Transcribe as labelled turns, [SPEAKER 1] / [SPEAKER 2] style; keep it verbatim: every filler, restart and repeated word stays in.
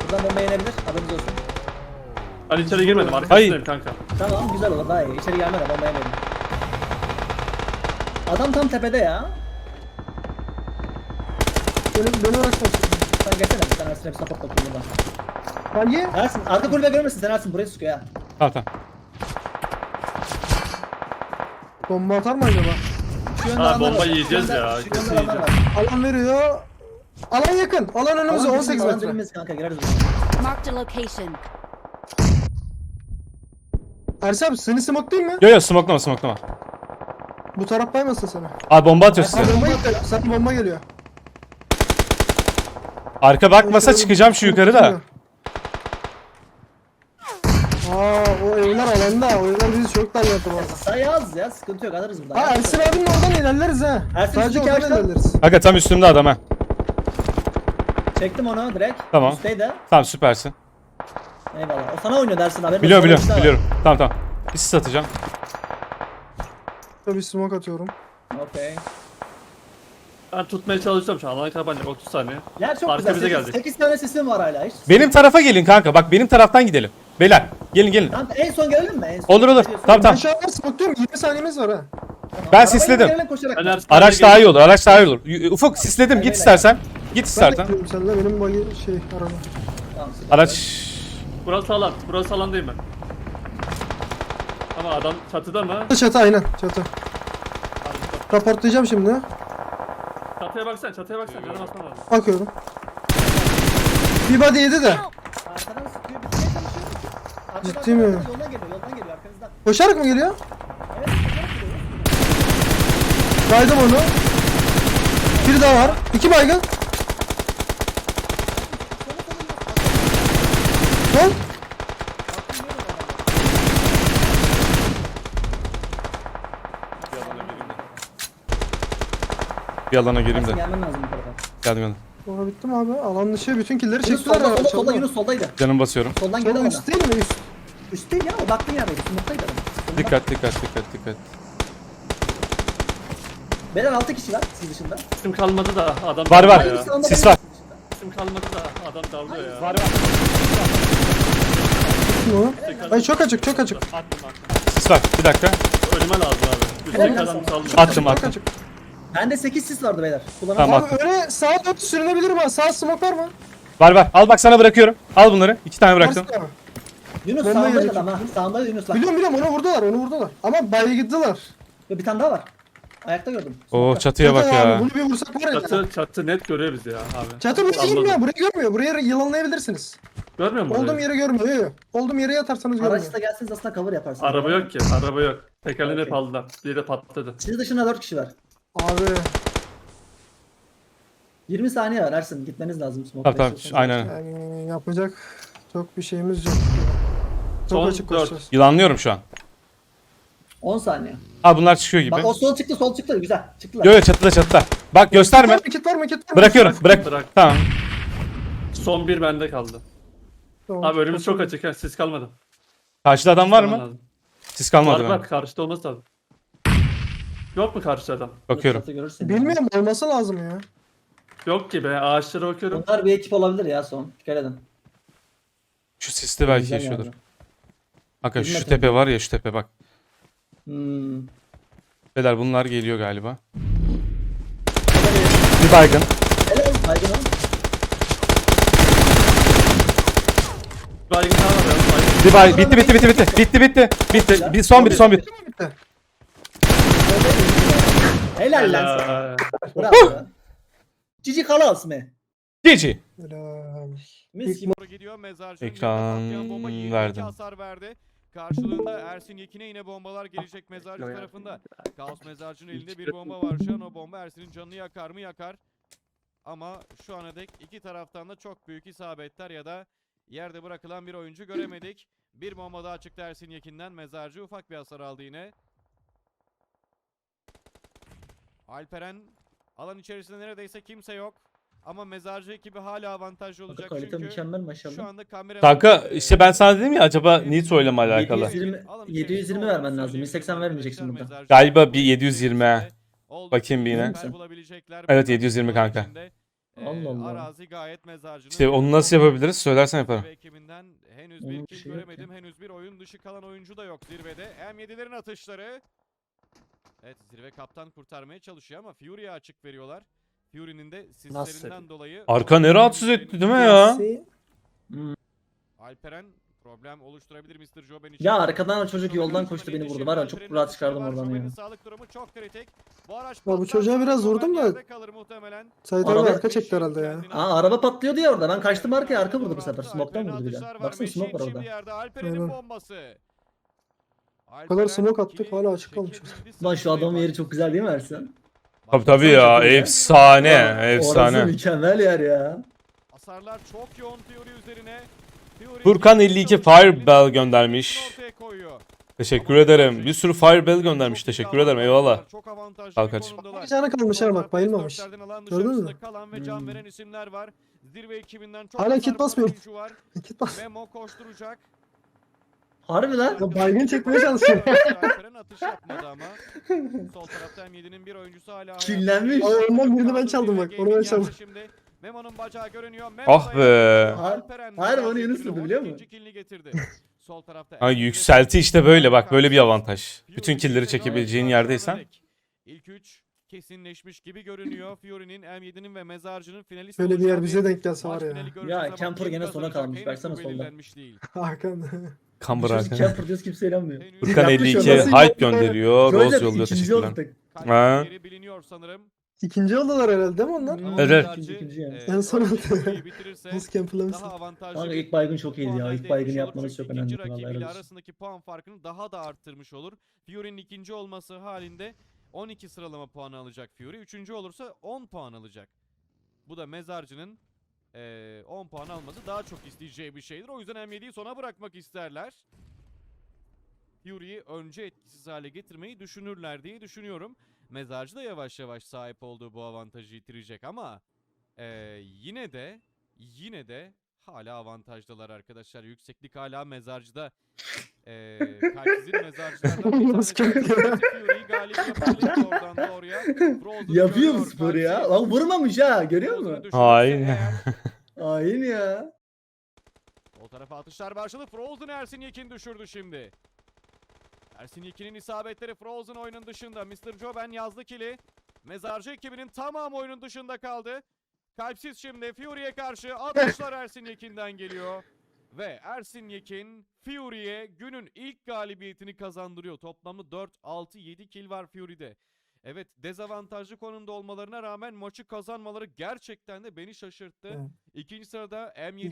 [SPEAKER 1] Buradan bomba yenebilir. Haberiniz olsun.
[SPEAKER 2] Ben içeri girmedim.
[SPEAKER 3] Hayır.
[SPEAKER 2] Arkasındayım kanka.
[SPEAKER 1] Tamam güzel olur daha iyi. İçeri gelme de bomba yemeyelim. Adam tam tepede ya.
[SPEAKER 3] Benim, beni uğraşmak.
[SPEAKER 1] Sen gelsene bir tane Ersin hep support bakayım buradan.
[SPEAKER 3] Hangi?
[SPEAKER 1] Ersin arka kulübe görmesin sen Ersin buraya sıkıyor ya.
[SPEAKER 4] Tamam tamam.
[SPEAKER 3] Bomba atar mı acaba?
[SPEAKER 1] Şu yönde
[SPEAKER 2] Ha,
[SPEAKER 1] adamlar
[SPEAKER 2] bomba
[SPEAKER 1] var.
[SPEAKER 2] yiyeceğiz
[SPEAKER 1] Şu yönde-
[SPEAKER 2] ya,
[SPEAKER 1] Şu yönde
[SPEAKER 2] kesin
[SPEAKER 1] adamlar var.
[SPEAKER 3] Alan veriyor. Alan yakın. Alan önümüzde
[SPEAKER 1] Alan
[SPEAKER 3] on sekiz
[SPEAKER 1] alan
[SPEAKER 3] metre.
[SPEAKER 1] dibimiz kanka gireriz buraya.
[SPEAKER 5] Marked a location.
[SPEAKER 3] Ersin abi seni smoke'layım mı?
[SPEAKER 4] Yo yo smoklama smoklama.
[SPEAKER 3] Bu taraf baymasın sana.
[SPEAKER 4] Abi bomba atıyor size.
[SPEAKER 3] Sana bomba geliyor. Sana bomba geliyor.
[SPEAKER 4] Arka bakmasa çıkacağım şu yukarı da.
[SPEAKER 3] Aa o evler alanda. O evler bizi çok darlattı bu arada.
[SPEAKER 1] Sayı az ya sıkıntı yok alırız buradan.
[SPEAKER 3] Ha Ersin abinin oradan ilerleriz ha.
[SPEAKER 1] Ersin
[SPEAKER 3] Sadece
[SPEAKER 1] üstteki
[SPEAKER 3] oradan
[SPEAKER 1] ağaçtan-
[SPEAKER 3] ilerleriz.
[SPEAKER 4] Aga tam üstümde adam ha.
[SPEAKER 1] Çektim onu direkt.
[SPEAKER 4] Tamam.
[SPEAKER 1] Üstteydi.
[SPEAKER 4] Tamam süpersin.
[SPEAKER 1] Eyvallah. O sana oynuyor dersin haberin
[SPEAKER 4] Biliyorum
[SPEAKER 1] olsun.
[SPEAKER 4] biliyorum
[SPEAKER 1] Öyle bir şey
[SPEAKER 4] biliyorum. Tamam tamam. Bir sis atacağım.
[SPEAKER 3] Tabii smoke atıyorum.
[SPEAKER 1] var. Okey.
[SPEAKER 2] Ben tutmaya çalışacağım şu an. Alana kapanacak otuz saniye.
[SPEAKER 1] Yer çok
[SPEAKER 2] Arka
[SPEAKER 1] güzel.
[SPEAKER 2] bize
[SPEAKER 1] sekiz,
[SPEAKER 2] geldi.
[SPEAKER 1] sekiz tane sesim var hala hiç.
[SPEAKER 4] Benim tarafa gelin kanka. Bak benim taraftan gidelim. Beyler gelin gelin.
[SPEAKER 1] Tamam en son gelelim mi? En son.
[SPEAKER 4] Olur olur.
[SPEAKER 1] Ne diyorsun?
[SPEAKER 4] Tamam tamam.
[SPEAKER 3] Aşağıda smoke'luyorum. yirmi saniyemiz var ha.
[SPEAKER 1] Tamam.
[SPEAKER 4] Ben
[SPEAKER 1] Arabayla
[SPEAKER 4] sisledim.
[SPEAKER 1] gelelim koşarak.
[SPEAKER 2] Ben Ersin
[SPEAKER 4] Araç
[SPEAKER 2] abiye
[SPEAKER 4] daha iyi
[SPEAKER 2] geldim.
[SPEAKER 4] olur. Araç daha iyi olur. Y- Ufuk sisledim. Git istersen. Git
[SPEAKER 3] Ben de
[SPEAKER 4] istersen.
[SPEAKER 3] gidiyorum seninle. Benim bagi şey araba.
[SPEAKER 1] Tamam, süper.
[SPEAKER 4] Araç.
[SPEAKER 2] Burası alan. Burası alandayım ben. Ama adam çatıda mı?
[SPEAKER 3] Çatı aynen. Çatı. Raportlayacağım şimdi.
[SPEAKER 2] Çatıya baksana, çatıya baksana. Canım asma lazım.
[SPEAKER 3] Bakıyorum. Bir body yedi de.
[SPEAKER 1] Arkadan sıkıyor bitmeye çalışıyor. Arkadan
[SPEAKER 3] Ciddi mi?
[SPEAKER 1] Yoldan geliyor yoldan geliyor arkanızdan.
[SPEAKER 3] Koşarak mı geliyor?
[SPEAKER 1] Evet koşarak geliyor.
[SPEAKER 3] Baydım onu. Bir daha var. İki baygın. Sol.
[SPEAKER 4] Bir alana gireyim de.
[SPEAKER 1] Gelmen lazım bu tarafa.
[SPEAKER 4] Geldim geldim.
[SPEAKER 3] Sonra bitti mi abi? Alan dışı bütün killeri
[SPEAKER 1] Yunus
[SPEAKER 3] çektiler.
[SPEAKER 1] solda
[SPEAKER 3] ha,
[SPEAKER 1] solda solda
[SPEAKER 3] çaldı.
[SPEAKER 1] Yunus soldaydı.
[SPEAKER 4] Canım basıyorum.
[SPEAKER 1] Soldan
[SPEAKER 3] Solda
[SPEAKER 1] geliyor
[SPEAKER 3] üst
[SPEAKER 1] bana.
[SPEAKER 3] değil mi? Üst.
[SPEAKER 1] Üst değil ya o baktığın yerdeydi. Smoke'taydı adam. Solunda.
[SPEAKER 4] Dikkat dikkat dikkat dikkat.
[SPEAKER 1] Beyler altı kişi var siz dışında.
[SPEAKER 2] İsim kalmadı da adam
[SPEAKER 4] Var, var.
[SPEAKER 2] dalıyor ya.
[SPEAKER 1] Birisi onda,
[SPEAKER 4] Sis
[SPEAKER 1] birisi
[SPEAKER 4] var.
[SPEAKER 1] dışında.
[SPEAKER 2] İsim kalmadı da adam dalıyor ya.
[SPEAKER 4] Var var.
[SPEAKER 3] Kim o? Ay çok açık çok açık.
[SPEAKER 2] Attım attım.
[SPEAKER 4] Sis var. Bir dakika.
[SPEAKER 2] Önüme lazım abi.
[SPEAKER 1] Helal
[SPEAKER 2] Üstteki
[SPEAKER 1] olsun.
[SPEAKER 2] adam sallıyor.
[SPEAKER 4] Attım
[SPEAKER 3] Çok
[SPEAKER 4] attım.
[SPEAKER 3] açık.
[SPEAKER 1] Bende sekiz sis vardı beyler. Kullanamam.
[SPEAKER 4] Tamam.
[SPEAKER 3] Abi öyle sağa dört sürünebilir mi? Sağ smoke var mı?
[SPEAKER 4] Var var. Al bak sana bırakıyorum. Al bunları. İki tane bıraktım.
[SPEAKER 3] Varsın abi.
[SPEAKER 1] Yunus
[SPEAKER 3] Bomba
[SPEAKER 1] sağındaydı
[SPEAKER 3] gelecek.
[SPEAKER 1] adam ha. Sağındaydı Yunus bak.
[SPEAKER 3] Biliyorum biliyorum onu vurdular onu vurdular. Ama baygıdılar.
[SPEAKER 1] Ve bir tane daha var. Ayakta gördüm.
[SPEAKER 4] Oo çatıya bak
[SPEAKER 3] Çatı
[SPEAKER 4] ya.
[SPEAKER 3] abi, bunu bir vursak var ya.
[SPEAKER 2] Çatı, çatı net görüyor bizi ya abi.
[SPEAKER 3] Çatı buraya
[SPEAKER 2] Salladı.
[SPEAKER 3] girmiyor. Burayı görmüyor. Buraya yılanlayabilirsiniz.
[SPEAKER 2] Görmüyor musun?
[SPEAKER 3] Olduğum
[SPEAKER 2] orayı?
[SPEAKER 3] yere görmüyor. Yok yok. Olduğum yere yatarsanız görmüyor.
[SPEAKER 1] Araçta gelseniz aslında cover yaparsınız.
[SPEAKER 2] Araba yok ki, araba yok. Tekerleğini hep
[SPEAKER 1] Okey.
[SPEAKER 2] aldılar. Biri de patladı.
[SPEAKER 1] Siz dışında dört kişi var.
[SPEAKER 3] Abi.
[SPEAKER 1] yirmi saniye var Ersin. Gitmeniz lazım.
[SPEAKER 4] Tamam tamam. Aynen.
[SPEAKER 3] Yani yapacak çok bir şeyimiz yok. Çok
[SPEAKER 2] Son
[SPEAKER 3] açık
[SPEAKER 2] dört.
[SPEAKER 3] koşacağız.
[SPEAKER 4] Yılanlıyorum şu an.
[SPEAKER 1] on saniye.
[SPEAKER 4] Ha bunlar çıkıyor gibi.
[SPEAKER 1] Bak o sol çıktı sol çıktı. Güzel. Çıktılar.
[SPEAKER 4] Yo yo çatıda çatıda. Bak gösterme.
[SPEAKER 3] Var mı kit var mı kit var mı?
[SPEAKER 4] Bırakıyorum. Bırak.
[SPEAKER 2] Bırak.
[SPEAKER 4] Tamam.
[SPEAKER 2] Son bir bende kaldı.
[SPEAKER 3] Tamam.
[SPEAKER 2] Abi önümüz çok açık ha, siz kalmadı.
[SPEAKER 4] Karşıda adam var
[SPEAKER 2] Kalman
[SPEAKER 4] mı?
[SPEAKER 2] lazım.
[SPEAKER 4] Siz kalmadı
[SPEAKER 2] Var
[SPEAKER 4] mı?
[SPEAKER 2] var, karşıda olması lazım. Yok mu karşıda adam?
[SPEAKER 4] Bakıyorum.
[SPEAKER 1] Çatı görürsün.
[SPEAKER 3] Bilmiyorum olması lazım ya.
[SPEAKER 2] Yok ki be, ağaçlara bakıyorum.
[SPEAKER 1] Bunlar bir ekip olabilir ya son. Dikkat edin.
[SPEAKER 4] Şu siste belki
[SPEAKER 1] Güzel
[SPEAKER 4] yaşıyordur.
[SPEAKER 1] yani.
[SPEAKER 4] Kanka şu
[SPEAKER 1] Bilmem.
[SPEAKER 4] tepe var ya şu tepe bak.
[SPEAKER 1] Hmm.
[SPEAKER 4] Beyler bunlar geliyor galiba. Bir baygın.
[SPEAKER 1] Helal. Baygın oğlum.
[SPEAKER 2] Baygın daha var ya. Baygın.
[SPEAKER 4] Bir bay bitti bitti bitti bitti. Bitti bitti. Bitti. Bir son bir son bir.
[SPEAKER 3] Bitti.
[SPEAKER 1] Helal lan sana.
[SPEAKER 2] Helal.
[SPEAKER 1] Bravo ya. Cici kalas mı?
[SPEAKER 4] G G.
[SPEAKER 3] Helal.
[SPEAKER 1] Mis gibi.
[SPEAKER 6] Doğru gidiyor. Mezarcı'nın
[SPEAKER 4] Ekran
[SPEAKER 6] yerine patlayan bomba yirmi iki
[SPEAKER 4] verdim.
[SPEAKER 6] hasar verdi. Karşılığında Ersin Yekin'e yine bombalar gelecek Mezarcı tarafında. Kaos Mezarcı'nın elinde bir bomba var şu an. O bomba Ersin'in canını yakar mı? Yakar. Ama şu ana dek iki taraftan da çok büyük isabetler ya da yerde bırakılan bir oyuncu göremedik. Bir bomba daha çıktı Ersin Yekin'den. Mezarcı ufak bir hasar aldı yine. Alperen alan içerisinde neredeyse kimse yok. Ama Mezarcı ekibi hala avantajlı olacak
[SPEAKER 1] Kalite
[SPEAKER 6] çünkü
[SPEAKER 1] mükemmel
[SPEAKER 6] şu
[SPEAKER 1] maşallah.
[SPEAKER 6] anda kamera...
[SPEAKER 4] Kanka işte ben sana dedim ya acaba Nitro ile mi alakalı?
[SPEAKER 1] yedi yüz yirmi yedi yüz yirmi vermen lazım. yüz seksen vermeyeceksin burada.
[SPEAKER 4] Galiba bir yedi yüz yirmi ha. Bakayım bir yine. Evet, yedi yüz yirmi kanka.
[SPEAKER 6] Ee,
[SPEAKER 1] Allah Allah.
[SPEAKER 6] Arazi gayet mezarcının.
[SPEAKER 4] İşte onu nasıl yapabiliriz? Söylersen yaparım.
[SPEAKER 6] Zirve ekibinden henüz
[SPEAKER 1] Onun
[SPEAKER 6] bir
[SPEAKER 1] bir
[SPEAKER 6] kill
[SPEAKER 1] şey yok
[SPEAKER 6] göremedim. Henüz bir oyun dışı kalan oyuncu da yok zirvede. M yedilerin atışları. Evet, zirve kaptan kurtarmaya çalışıyor ama Fury'ye açık veriyorlar. Fury'nin de sislerinden dolayı...
[SPEAKER 4] Arka ne rahatsız etti değil mi ya?
[SPEAKER 3] Messi,
[SPEAKER 6] Alperen problem oluşturabilir mister Joben için.
[SPEAKER 1] Ya arkadan o çocuk
[SPEAKER 6] Joben
[SPEAKER 1] yoldan
[SPEAKER 6] için
[SPEAKER 1] koştu beni vurdu.
[SPEAKER 6] yetişir.
[SPEAKER 1] Var ya çok
[SPEAKER 6] Alperen'in
[SPEAKER 1] rahat
[SPEAKER 6] atışları
[SPEAKER 1] çıkardım
[SPEAKER 6] var.
[SPEAKER 1] oradan
[SPEAKER 6] Joben'in
[SPEAKER 1] ya.
[SPEAKER 6] sağlık durumu çok kritik. Bu araç
[SPEAKER 3] Ya bu
[SPEAKER 6] patlarsa
[SPEAKER 3] çocuğa biraz
[SPEAKER 6] Joben
[SPEAKER 3] vurdum da-
[SPEAKER 6] yerde kalır muhtemelen.
[SPEAKER 3] Sait
[SPEAKER 1] Araba-
[SPEAKER 3] abi arka çekti herhalde ya.
[SPEAKER 6] Kendine-
[SPEAKER 1] Aa araba patlıyordu ya orada. Ben kaçtım arkaya, arka vurdu bu sefer.
[SPEAKER 6] Alperen'in
[SPEAKER 1] Smoke'tan vurdu bir
[SPEAKER 6] atışlar
[SPEAKER 1] de.
[SPEAKER 6] var.
[SPEAKER 1] Baksana smoke var
[SPEAKER 6] Meşin
[SPEAKER 1] orada.
[SPEAKER 6] şimdi yerde. Alperen'in
[SPEAKER 3] Aynen.
[SPEAKER 6] bombası.
[SPEAKER 3] O kadar smoke attık,
[SPEAKER 6] ikili
[SPEAKER 3] hala açık kalmış.
[SPEAKER 6] çekebildi
[SPEAKER 1] Lan şu adamın
[SPEAKER 6] sanırım.
[SPEAKER 1] yeri çok güzel değil mi Ersin?
[SPEAKER 4] Tabii tabii ya.
[SPEAKER 1] Çok iyi.
[SPEAKER 4] Efsane.
[SPEAKER 1] Orası
[SPEAKER 4] Efsane.
[SPEAKER 1] mükemmel yer ya.
[SPEAKER 6] Hasarlar çok yoğun Fury üzerine. Fury
[SPEAKER 4] Furkan elli iki Firebell
[SPEAKER 6] elini
[SPEAKER 4] göndermiş.
[SPEAKER 6] ortaya koyuyor.
[SPEAKER 4] Teşekkür ederim. Bir sürü Firebell göndermiş. Teşekkür ederim. Eyvallah.
[SPEAKER 6] Çok avantajlı
[SPEAKER 4] Al
[SPEAKER 6] bir
[SPEAKER 4] kaç.
[SPEAKER 6] konumdalar.
[SPEAKER 3] Bir canı kalmış ha bak, bayılmamış.
[SPEAKER 6] dörtlerden alan
[SPEAKER 3] Gördün mü?
[SPEAKER 6] dışarısında kalan ve can
[SPEAKER 1] Hmm.
[SPEAKER 6] veren isimler var. Zirve ekibinden çok
[SPEAKER 3] Hala
[SPEAKER 6] hasar
[SPEAKER 3] kit
[SPEAKER 6] vuran
[SPEAKER 3] basmıyor.
[SPEAKER 6] oyuncu var.
[SPEAKER 3] Git bas.
[SPEAKER 6] Memo koşturacak.
[SPEAKER 1] Harbi lan.
[SPEAKER 3] Ya baygın çekmeye çalışıyor.
[SPEAKER 6] Alperen atış yapmadı ama. Sol tarafta M yedi'nin bir oyuncusu hala hayatta.
[SPEAKER 1] Killenmiş.
[SPEAKER 3] Ay, ondan birini ben çaldım bak, onu ben çaldım.
[SPEAKER 6] Şimdi Memo'nun bacağı görünüyor. Memo
[SPEAKER 4] Ah
[SPEAKER 6] da
[SPEAKER 4] be.
[SPEAKER 6] yapıyor.
[SPEAKER 1] Har-
[SPEAKER 6] Alperen
[SPEAKER 1] harbi
[SPEAKER 6] Mezarcı
[SPEAKER 1] onu Yunus
[SPEAKER 6] ekibinin
[SPEAKER 1] vurdu, biliyor
[SPEAKER 6] on
[SPEAKER 1] musun?
[SPEAKER 6] ikinci killini getirdi. Sol tarafta.
[SPEAKER 4] Ha,
[SPEAKER 6] M yedi
[SPEAKER 4] yükselti işte böyle bak, böyle bir avantaj. Bütün killleri çekebileceğin
[SPEAKER 6] Fury
[SPEAKER 4] yerdeysen.
[SPEAKER 6] İlk üç kesinleşmiş gibi görünüyor. Fury'nin, M yedi'nin ve Mezarcı'nın finalist
[SPEAKER 3] Şöyle bir yer
[SPEAKER 6] olacağı
[SPEAKER 3] bize denk gelse var ya.
[SPEAKER 6] finali göreceğiz
[SPEAKER 1] Ya,
[SPEAKER 6] ama
[SPEAKER 1] Camper
[SPEAKER 6] kim
[SPEAKER 1] gene sona
[SPEAKER 6] kazanacak
[SPEAKER 1] kalmış.
[SPEAKER 6] henüz
[SPEAKER 1] Baksana
[SPEAKER 6] bu
[SPEAKER 1] solda.
[SPEAKER 6] belirlenmiş değil.
[SPEAKER 3] Hakan.
[SPEAKER 4] Kambur
[SPEAKER 1] Çocuk
[SPEAKER 4] Hakan.
[SPEAKER 1] camper diyoruz, kimse inanmıyor.
[SPEAKER 6] Henüz-
[SPEAKER 4] Furkan
[SPEAKER 1] Yapmış
[SPEAKER 4] elli iki
[SPEAKER 1] o, nasıl
[SPEAKER 4] hype
[SPEAKER 3] yaptı?
[SPEAKER 4] gönderiyor.
[SPEAKER 1] Şöyle
[SPEAKER 4] Rose yolluyor.
[SPEAKER 1] ikinci
[SPEAKER 4] Teşekkürler.
[SPEAKER 1] olduk.
[SPEAKER 6] Kalp
[SPEAKER 4] Ha.
[SPEAKER 6] yeri biliniyor sanırım.
[SPEAKER 3] İkinci oldular herhalde değil mi onlar?
[SPEAKER 6] Ama
[SPEAKER 4] Evet.
[SPEAKER 6] Mezarcı,
[SPEAKER 1] İkinci, ikinci yani.
[SPEAKER 6] e,
[SPEAKER 3] En son
[SPEAKER 6] oyunu bitirirse
[SPEAKER 3] Nasıl camperlamışsın?
[SPEAKER 6] daha avantajlı.
[SPEAKER 1] Kanka
[SPEAKER 6] bir
[SPEAKER 1] ilk baygın çok iyiydi ya.
[SPEAKER 6] puan
[SPEAKER 1] İlk
[SPEAKER 6] elde
[SPEAKER 1] baygını
[SPEAKER 6] etmiş olur.
[SPEAKER 1] yapmanız çok
[SPEAKER 6] Çünkü
[SPEAKER 1] önemli.
[SPEAKER 6] ikinci
[SPEAKER 1] Vallahi helal
[SPEAKER 6] rakibiyle
[SPEAKER 1] olsun.
[SPEAKER 6] arasındaki puan farkını daha da arttırmış olur. Fury'nin ikinci olması halinde on iki sıralama puanı alacak Fury. Üçüncü olursa on puan alacak. Bu da Mezarcı'nın eee, on puan alması daha çok isteyeceği bir şeydir. O yüzden M yedi'yi sona bırakmak isterler. Fury'yi önce etkisiz hale getirmeyi düşünürler diye düşünüyorum. Mezarcı da yavaş yavaş sahip olduğu bu avantajı yitirecek ama eee, yine de yine de hala avantajdalar arkadaşlar. Yükseklik hala Mezarcı'da. Eee Kalpsiz'in Mezarcılardan bir
[SPEAKER 3] Nasıl
[SPEAKER 6] tanesi.
[SPEAKER 3] kötü?
[SPEAKER 6] Fury'yi galip yapabilir oradan doğruya. Frozen
[SPEAKER 1] Yapıyor bu
[SPEAKER 6] görüyor
[SPEAKER 1] sporu ya.
[SPEAKER 6] Kalpsiz.
[SPEAKER 1] Lan vurmamış ha, görüyor
[SPEAKER 6] Frozen'ı
[SPEAKER 1] musun?
[SPEAKER 6] düşürürse
[SPEAKER 4] Hain.
[SPEAKER 6] eğer,
[SPEAKER 1] Hain ya.
[SPEAKER 6] O tarafa atışlar başladı. Frozen Ersin Yekin düşürdü şimdi. Ersin Yekin'in isabetleri Frozen oyunun dışında. mister Joben yazdı kili. Mezarcı ekibinin tamamı oyunun dışında kaldı. Kalpsiz şimdi Fury'ye karşı atışlar Ersin Yekin'den geliyor. Ve Ersin Yekin Fury'ye günün ilk galibiyetini kazandırıyor. Toplamda dört, altı, yedi kill var Fury'de. Evet, dezavantajlı konumda olmalarına rağmen maçı kazanmaları gerçekten de beni şaşırttı.
[SPEAKER 3] Evet.
[SPEAKER 6] İkinci sırada M yedi